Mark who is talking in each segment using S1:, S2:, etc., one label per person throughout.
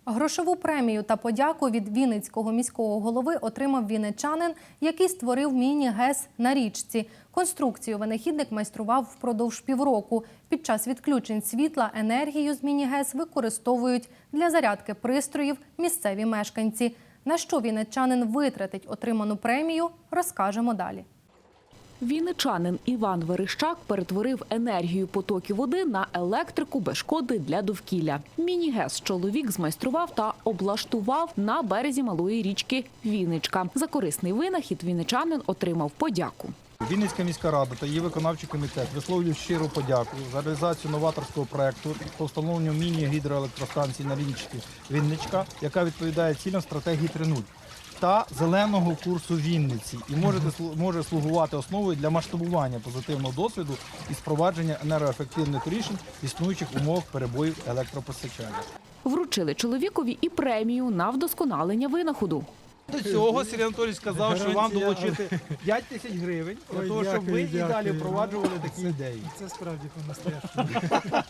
S1: Грошову премію та подяку від Вінницького міського голови отримав вінничанин, який створив міні-ГЕС на річці. Конструкцію винахідник майстрував впродовж півроку. Під час відключень світла енергію з міні-ГЕС використовують для зарядки пристроїв місцеві мешканці. На що вінничанин витратить отриману премію, розкажемо далі.
S2: Вінничанин Іван Верещак перетворив енергію потоків води на електрику без шкоди для довкілля. Міні-ГЕС чоловік змайстрував та облаштував на березі малої річки Вінничка. За корисний винахід вінничанин отримав подяку.
S3: Вінницька міська рада та її виконавчий комітет висловлюють щиру подяку за реалізацію новаторського проєкту по встановленню міні-гідроелектростанції на річці Вінничка, яка відповідає цілям стратегії 3.0 та зеленого курсу Вінниці і може слугувати основою для масштабування позитивного досвіду і впровадження енергоефективних рішень в існуючих умовах перебоїв електропостачання.
S2: Вручили чоловікові і премію на вдосконалення винаходу.
S3: До цього Сергій Анатолійович сказав, що вам долучити 5 тисяч гривень, для того, щоб ви і далі впроваджували такі ідеї.
S4: Це справді по-настоящему.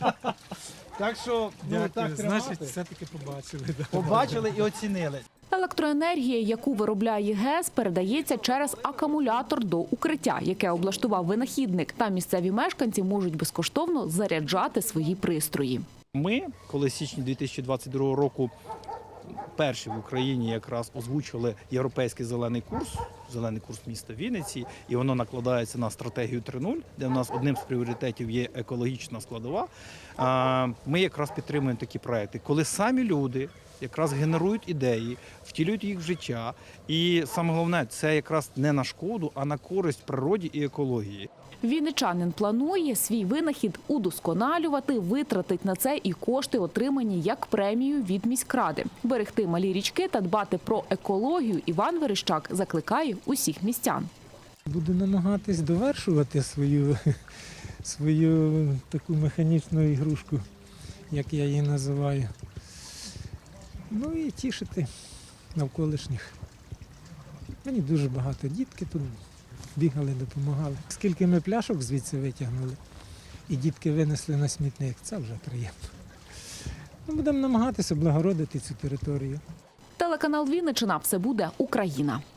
S3: Так що, так
S4: Значить, все-таки побачили.
S3: побачили і оцінили.
S2: Електроенергія, яку виробляє ГЕС, передається через акумулятор до укриття, яке облаштував винахідник. Та місцеві мешканці можуть безкоштовно заряджати свої пристрої.
S3: Ми, коли з січня 2022 року перші в Україні якраз озвучили європейський зелений курс міста Вінниці, і воно накладається на стратегію 3.0, де в нас одним з пріоритетів є екологічна складова, ми якраз підтримуємо такі проекти, коли самі люди якраз генерують ідеї, втілюють їх в життя. І саме головне, це якраз не на шкоду, а на користь природі і екології.
S2: Вінничанин планує свій винахід удосконалювати, витратить на це і кошти, отримані як премію від міськради. Берегти малі річки та дбати про екологію Іван Верещак закликає усіх містян.
S4: Буду намагатись довершувати свою таку механічну ігрушку, як я її називаю. Ну і тішити навколишніх. Мені дуже багато дітки тут бігали, допомагали. Скільки ми пляшок звідси витягнули, і дітки винесли на смітник, це вже приємно. Ми будемо намагатися облагородити цю територію.
S2: Телеканал «Вінниччина» – все буде Україна.